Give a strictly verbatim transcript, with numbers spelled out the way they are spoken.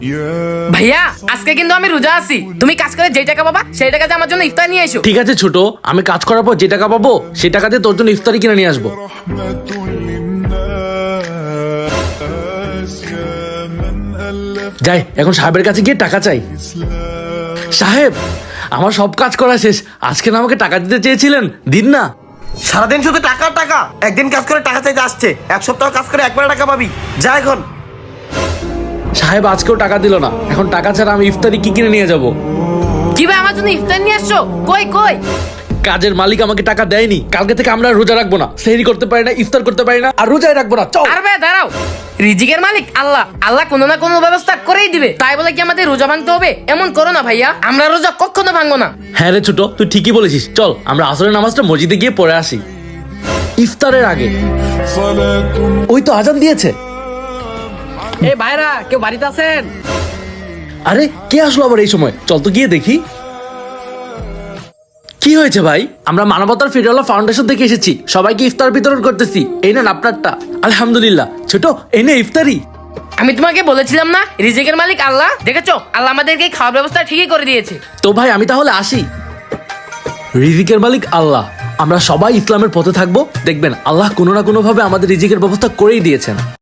ভাইয়া আজকে কিন্তু আমি রোজা আছি, তুমি কাজ করে যে টাকা পাবা সেই টাকাতে আমার জন্য ইফতার নিয়ে এসো। ঠিক আছে ছোট, আমি কাজ করার পর যে টাকা পাবো সেই টাকা দিয়ে তোর জন্য ইফতারি কিনে নিয়ে আসবো। যাই এখন সাহেবের কাছে গিয়ে টাকা চাই। সাহেব, আমার সব কাজ করা শেষ, আজকে না আমাকে টাকা দিতে চেয়েছিলেন, দিন না। সারাদিন শুধু টাকা টাকা, একদিন কাজ করে টাকা চাইতে আসছে, এক সপ্তাহ কাজ করে একবার টাকা পাবি, যা এখন। সাহেব আজকেও টাকা দিল না, এখন টাকা ছাড়া আমি ইফতারি কি কিনে নিয়ে যাব? কি ভাই আমার জন্য ইফতার নিয়ে আসছো? কই কই কাজের মালিক আমাকে টাকা দেয়নি, কালকে থেকে আমরা রোজা রাখবো না, সেহরি করতে পারি না, ইফতার করতে পারি না, আর রোজাই রাখবো না। চল। আর ভাই দাঁড়াও, রিজিকের মালিক আল্লাহ, আল্লাহ কোনো না কোনো ব্যবস্থা করেই দিবে, তাই বলে কি আমাদের রোজা ভাঙতে হবে? এমন করো না ভাইয়া, আমরা রোজা কখনো ভাঙবো না। হ্যাঁ রে ছোট, তুই ঠিকই বলেছিস, চল আমরা আসরের নামাজটা মসজিদে গিয়ে পড়ে আসি ইফতারের আগে। ওই তো আজান দিয়েছে। এই ভাইরা কেউ বাড়িতে আছেন? আরে কে আসলো আবার এই সময়? চল তো গিয়ে দেখি কি হয়েছে। ভাই আমরা মানবতার ফিরওয়ালা ফাউন্ডেশন থেকে এসেছি, সবাইকে ইফতার বিতরণ করতেছি, এই নেন আপনারটা। আলহামদুলিল্লাহ। ছোট এই নে ইফতারি। আমি তোমাকে বলেছিলাম না রিজিকের মালিক আল্লাহ? দেখেছো, আল্লাহ আমাদেরকে খাওয়ার ব্যবস্থা ঠিকই করে দিয়েছে। তো ভাই আমি তাহলে আসি। রিজিকের মালিক আল্লাহ, আমরা সবাই ইসলামের পথে থাকবো, দেখবেন আল্লাহ কোনো না কোনো ভাবে আমাদের রিজিকের ব্যবস্থা করেই দিয়েছেন।